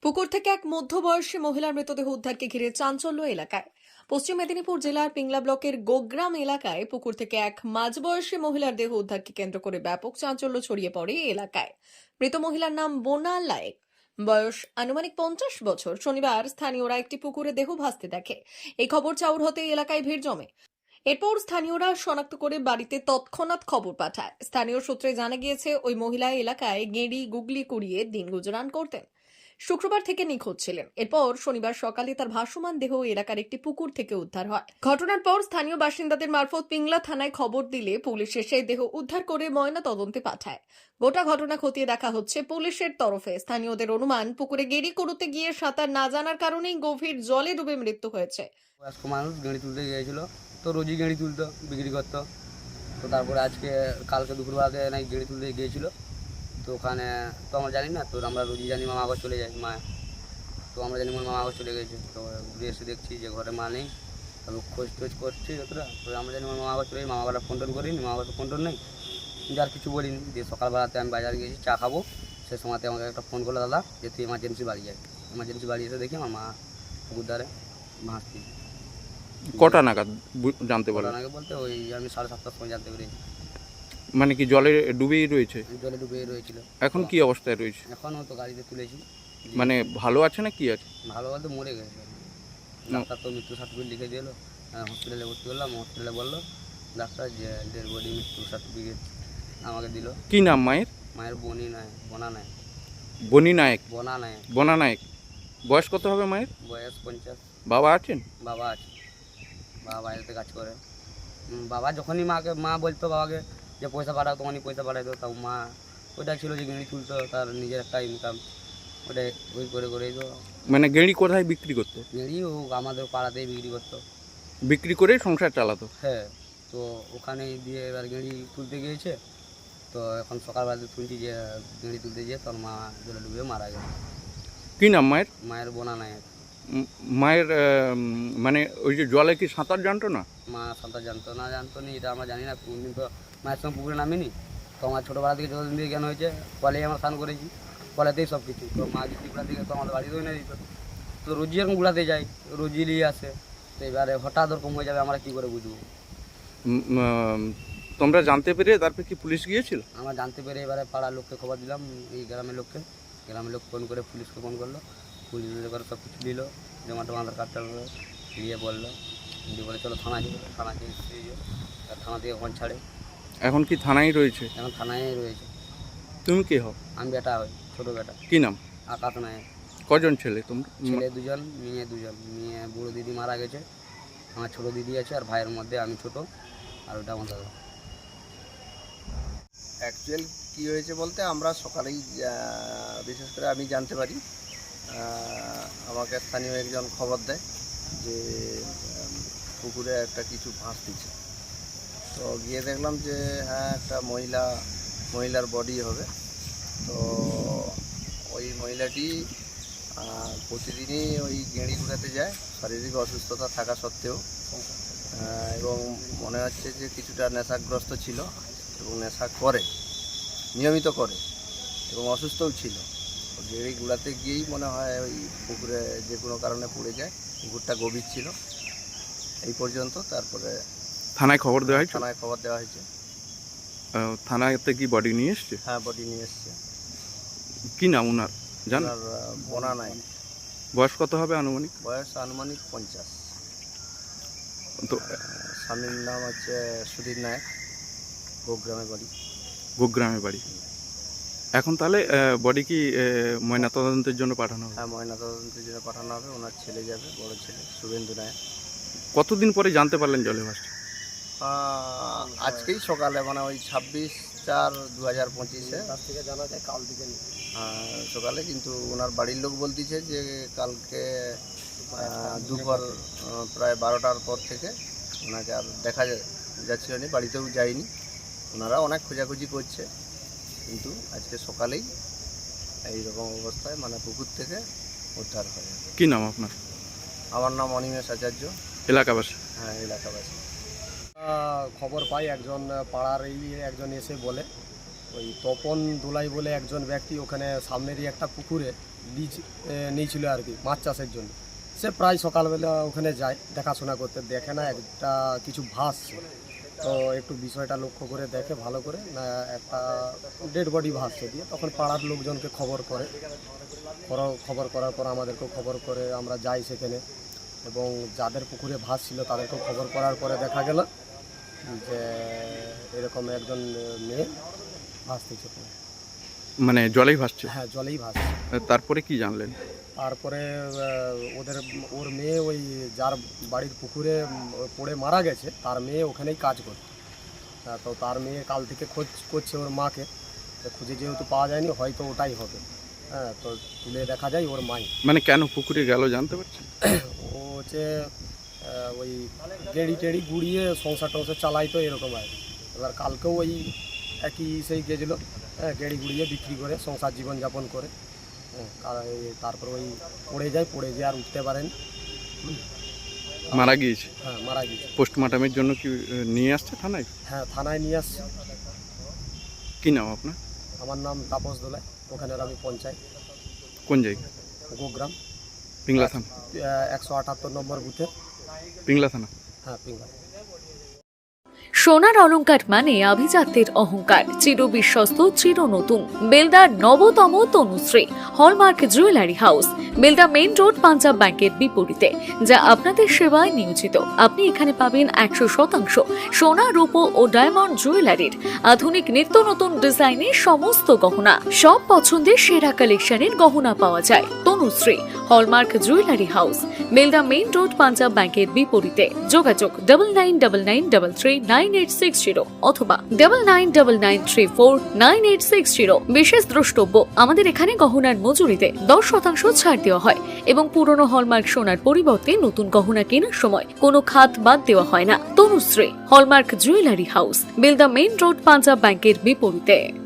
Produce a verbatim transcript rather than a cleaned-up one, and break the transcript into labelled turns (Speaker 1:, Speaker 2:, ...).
Speaker 1: পুকুর থেকে এক মধ্যবয়সী মহিলার মৃতদেহ উদ্ধারকে ঘিরে চাঞ্চল্য এলাকায়। পশ্চিম মেদিনীপুর জেলার পিংলা ব্লকের গোগ্রাম এলাকায় পুকুর থেকে এক মাঝবয়সী মহিলার দেহ উদ্ধারকে কেন্দ্র করে ব্যাপক চাঞ্চল্য ছড়িয়ে পড়ে এই এলাকায়। মৃত মহিলার নাম বোনা লায়েক, বয়স আনুমানিক পঞ্চাশ বছর। শনিবার স্থানীয়রা একটি পুকুরে দেহ ভাসতে দেখে। এই খবর চাউর হতে এলাকায় ভিড় জমে। এরপর স্থানীয়রা শনাক্ত করে বাড়িতে তৎক্ষণাৎ খবর পাঠায়। স্থানীয় সূত্রে জানা গিয়েছে ওই মহিলা এলাকায় গেঁড়ি গুগলি কুড়িয়ে দিন গুজরান করতেন। শুক্রবার থেকে নিখোঁজ ছিলেন। এরপর শনিবার সকালে তার ভাসমান দেহ এলাকার একটি পুকুর থেকে উদ্ধার হয়। ঘটনার পর স্থানীয় বাসিন্দাদের মারফত পিংলা থানায় খবর দিলে পুলিশ এসে দেহ উদ্ধার করে ময়না তদন্তে পাঠায়। গোটা ঘটনা খতিয়ে দেখা হচ্ছে পুলিশের তরফে। স্থানীয়দের অনুমান, পুকুরে গেঁড়ি কুড়োতে গিয়ে সাঁতার না জানার কারণেই গভীর জলে ডুবে মৃত্যু হয়েছে।
Speaker 2: বয়স্ক মানুষ গেঁড়ি তুলতে গিয়েছিল, তো রোজই গেঁড়ি তুলতো, বিক্রি করতো। তো তারপরে আজকে কালকে দুপুরবেলাতে নাকি গেঁড়ি তুলতে গিয়েছিল। তো ওখানে তো আমরা জানি না, তো আমরা রোজই জানি মামা ঘর চলে যাই মা। তো আমরা জানি মামা ঘর চলে গেছে। তো ঘুরে এসে দেখছি যে ঘরে মা নেই। তারপর খোঁজ টোজ করছি যতটা, তো আমরা জানি মামা ঘর চলে যাই। মামা ঘরে ফোন টোন করিনি, মামা ঘরে ফোন টোন নেই, যার কিছু বলিনি। দিয়ে সকালবেলাতে আমি বাজারে গেছি চা খাবো, সে সময়তে আমাকে একটা ফোন করলো, দাদা যে তুই এমার্জেন্সি বাড়ি যায়। এমার্জেন্সি বাড়ি এসে দেখি আমার মা পুকুর ধারে ভাসছি।
Speaker 3: কটা নাগাদ বু- জানতে পারলেন?
Speaker 2: আগে বলতে ওই আমি সাড়ে সাতটার সময় জানতে পেরেছি।
Speaker 3: মানে কি জলে ডুবেই রয়েছে?
Speaker 2: জলে ডুবে রয়েছিল।
Speaker 3: এখন কি অবস্থায় রয়েছে?
Speaker 2: এখনও তো গাড়িতে তুলেছি।
Speaker 3: মানে ভালো আছে না কি আছে?
Speaker 2: ভালো বলতে মরে গেছে। ডাক্তার তো মৃত্যু সার্টিফিকেট লিখে দিল, হসপিটালে ভর্তি করলাম। হসপিটালে বললো ডাক্তার যে ডেড বডি মৃত্যু সার্টিফিকেট আমাকে দিল।
Speaker 3: কি নাম মায়ের?
Speaker 2: মায়ের বনি নাই, বনা নাই,
Speaker 3: বনি নায়ক।
Speaker 2: বনা নাই।
Speaker 3: বনা নায়ক। বয়স কত হবে মায়ের?
Speaker 2: বয়স পঞ্চাশ।
Speaker 3: বাবা আছেন?
Speaker 2: বাবা আছে, বাবা বাইরেতে কাজ করে। উম, বাবা যখনই মাকে মা বলতো বাবাকে যে পয়সা পাঠাও, তখনই পয়সা পাঠাইতো। তাও মা ওইটা ছিল যে গেঁড়ি তুলতো, তার নিজের একটা ইনকাম, ওটাই ওই করে করেই তো।
Speaker 3: মানে গেঁড়ি কোথায় বিক্রি করতো?
Speaker 2: গেঁড়ি ও আমাদের পাড়াতেই বিক্রি করতো।
Speaker 3: বিক্রি করে সংসার চালাতো?
Speaker 2: হ্যাঁ, তো ওখানে দিয়ে এবার গেঁড়ি তুলতে গিয়েছে। তো এখন সকালবেলাতে শুনছি যে গেঁড়ি তুলতে গিয়ে তোর মা জলে ডুবে মারা গেছে।
Speaker 3: কি নাম মায়ের?
Speaker 2: মায়ের বোনা নাই।
Speaker 3: উম, মায়ের আহ, মানে ওই যে জলে কি সাঁতার জানতো না?
Speaker 2: মা সাঁতার জানতো না জানতো নি এটা আমরা জানি না। কোনদিন তো মায়ের সঙ্গে পুকুরে নামিনি। তো আমার ছোটোবেলা থেকে যতদিন থেকে জ্ঞান হয়েছে, কলেই আমরা স্নান করেছি, কলেতেই সব কিছু। তো মা যদি গুড়া থেকে তো আমাদের বাড়িতেও এনে দিত। তো রোজই এরকম গুড়াতে যাই, রোজই নিয়ে আসে। তো এবারে হঠাৎ ওরকম হয়ে যাবে, আমরা কী করে বুঝবো?
Speaker 3: উম, আহ, তোমরা জানতে পেরে তারপর কি পুলিশ গিয়েছিল?
Speaker 2: আমরা জানতে পেরে এবারে পাড়ার লোককে খবর দিলাম, এই গ্রামের লোককে। গ্রামের লোক ফোন করে পুলিশকে ফোন করলো। পুলিশ করে সব কিছু দিল, জমা টমা আধার কার্ডটা দিয়ে বললো, দিয়ে বলে চলো থানা যাবো। থানা গিয়ে থানা থেকে ফোন ছাড়ে।
Speaker 3: এখন কি থানায় রয়েছে?
Speaker 2: এখন থানায় রয়েছে।
Speaker 3: তুমি কে হও?
Speaker 2: আমি বেটা হই, ছোটো বেটা।
Speaker 3: কি নাম?
Speaker 2: আকাশ নায়ক।
Speaker 3: কজন ছেলে তোমরা?
Speaker 2: ছেলে দুজন, মেয়ে দুজন। মেয়ে বুড়ো দিদি মারা গেছে, আমার ছোটো দিদি আছে, আর ভাইয়ের মধ্যে আমি ছোটো, আর ওটা আমার দাদা।
Speaker 4: অ্যাকচুয়াল কী হয়েছে বলতে, আমরা সকালেই বিশেষ করে আমি জানতে পারি, আমাকে স্থানীয় একজন খবর দেয় যে পুকুরে একটা কিছু ভাসতেছে। তো গিয়ে দেখলাম যে হ্যাঁ, একটা মহিলা মহিলার বডি হবে। তো ওই মহিলাটি প্রতিদিনই ওই গেঁড়ি ঘুরাতে যায়, শারীরিক অসুস্থতা থাকা সত্ত্বেও, এবং মনে হচ্ছে যে কিছুটা নেশাগ্রস্ত ছিল এবং নেশা করে, নিয়মিত করে, এবং অসুস্থও ছিল। গেঁড়ি গুড়াতে গিয়েই মনে হয় ওই পুকুরে যে কোনো কারণে পড়ে যায়। পুকুরটা গভীর ছিল এই পর্যন্ত। তারপরে
Speaker 3: থানায় খবর দেওয়া হয়েছে?
Speaker 4: থানায় খবর দেওয়া হয়েছে।
Speaker 3: আহ, থানাতে কি বডি নিয়ে এসছে?
Speaker 4: হ্যাঁ, বডি নিয়ে এসছে।
Speaker 3: কি নাম ওনার জান?
Speaker 4: ওনার বোনা নাই।
Speaker 3: বয়স কত হবে আনুমানিক?
Speaker 4: বয়স আনুমানিক পঞ্চাশ।
Speaker 3: তো
Speaker 4: স্বামীর নাম হচ্ছে সুধীর নায়ক, গোগ্রামে বাড়ি।
Speaker 3: গোগ্রামে বাড়ি। এখন তাহলে বডি কি আহ, ময়নাতদন্তের জন্য পাঠানো হবে?
Speaker 4: হ্যাঁ, ময়নাতদন্তের জন্য পাঠানো হবে। ওনার ছেলে যাবে, বড় ছেলে শুভেন্দু নায়ক।
Speaker 3: কতদিন পরে জানতে পারলেন জলে ভাসছে?
Speaker 4: আহ, আজকেই সকালে, মানে ওই ছাব্বিশ চার দু হাজার পঁচিশে থেকে জানা যায় কাল দিকে সকালে। কিন্তু ওনার বাড়ির লোক বলতেছে যে কালকে আহ, দুপুর আহ, প্রায় বারোটার পর থেকে ওনাকে আর দেখা যাচ্ছিল না, বাড়িতেও যায়নি। ওনারা অনেক খোঁজাখুঁজি করছে, কিন্তু আজকে সকালেই এইরকম অবস্থায় মানে পুকুর থেকে উদ্ধার হয়।
Speaker 3: কি নাম আপনার?
Speaker 4: আমার নাম অনিমেষ আচার্য।
Speaker 3: এলাকাবাসী?
Speaker 4: হ্যাঁ, এলাকাবাসী।
Speaker 5: খবর পাই একজন পাড়ার এই একজন এসে বলে, ওই তপন দোলাই বলে একজন ব্যক্তি ওখানে সামনেরই একটা পুকুরে বীজ এ, নিয়েছিল আর কি মাছ চাষের জন্য। সে প্রায় সকালবেলা ওখানে যায় দেখাশোনা করতে, দেখে না একটা কিছু ভাসছে, তো একটু বিষয়টা লক্ষ্য করে দেখে ভালো করে, না একটা ডেড বডি ভাসছে, দিয়ে তখন পাড়ার লোকজনকে খবর করে, খবর- খবর করার পর আমাদেরকেও খবর করে আমরা যাই সেখানে, এবং যাদের পুকুরে ভাসছিল তাদেরকেও খবর করার পরে দেখা গেল যে এরকম একজন মেয়ে ভাসতেছে।
Speaker 3: মানে জলেই ভাসছে।
Speaker 5: হ্যাঁ, জলেই ভাসছে।
Speaker 3: তারপরে কি জানলেন?
Speaker 5: তারপরে আহ, ওদের ওর মেয়ে ওই যার বাড়ির পুকুরে উম, পড়ে মারা গেছে তার মেয়ে ওখানেই কাজ করত। হ্যাঁ, তো তার মেয়ে কাল থেকে খোঁজ করছে ওর মাকে, তো খুঁজে যেহেতু পাওয়া যায়নি হয়তো ওটাই হবে। হ্যাঁ, তো তুলে দেখা যায় ওর মাই।
Speaker 3: মানে কেন পুকুরে গেল জানতে পারছেন?
Speaker 5: ও হচ্ছে আহ, ওই গেড়ি টেড়ি গুড়িয়ে সংসার টংসার চালাইতো এরকম আর কি। এবার কালকেও ওই একই সেই গেছিলো, হ্যাঁ, গেড়ি গুড়িয়ে বিক্রি করে সংসার জীবনযাপন করে। হ্যাঁ, আর এই তারপর ওই পড়ে যায়, পড়ে যেয়ে আর উঠতে পারেন।
Speaker 3: মারা গিয়েছে।
Speaker 5: হ্যাঁ, মারা গেছে।
Speaker 3: পোস্টমর্টমের জন্য কি আহ, নিয়ে আসছে থানায়?
Speaker 5: হ্যাঁ, থানায় নিয়ে আসছে।
Speaker 3: কি নাম আপনার?
Speaker 5: আমার নাম তাপস দোলাই, ওখানের আমি পঞ্চায়েত,
Speaker 3: কোন জায়গা?
Speaker 5: গোগ্রাম,
Speaker 3: পিংলা থানা।
Speaker 5: একশো আটাত্তর নম্বর বুথে।
Speaker 3: পিংলা থানা।
Speaker 5: হ্যাঁ, পিঙ্গা।
Speaker 6: সোনার অলংকার মানে আভিজাত্যের অহংকার, চির বিশ্বস্ত, চির নতুন। বেলদার নবতম Tanushree hallmark jewellery house, Belda main road, Punjab ব্যাংকের বিপরীতে, যা আপনাদের সেবায় নিয়োজিত। আপনি এখানে পাবেন একশো শতাংশ সোনা, রূপো ও ডায়মন্ড জুয়েলারির আধুনিক নিত্য নতুন ডিজাইনের সমস্ত গহনা। সব পছন্দের সেরা কালেকশনের গহনা পাওয়া যায়। Tanushree hallmark jewellery house, Belda main road, Punjab ব্যাংকের বিপরীতে। যোগাযোগ double nine double nine double three nine eight six zero অথবা double nine double nine three four nine eight six zero. বিশেষ দ্রষ্টব্য, আমাদের এখানে গহনার মজুরিতে দশ শতাংশ ছাড় দেওয়া হয় এবং পুরনো হলমার্ক সোনার পরিবর্তে নতুন গহনা কেনার সময় কোনো খাত বাদ দেওয়া হয় না। Tanushree hallmark jewellery house, Belda main road, Punjab ব্যাংকের বিপরীতে।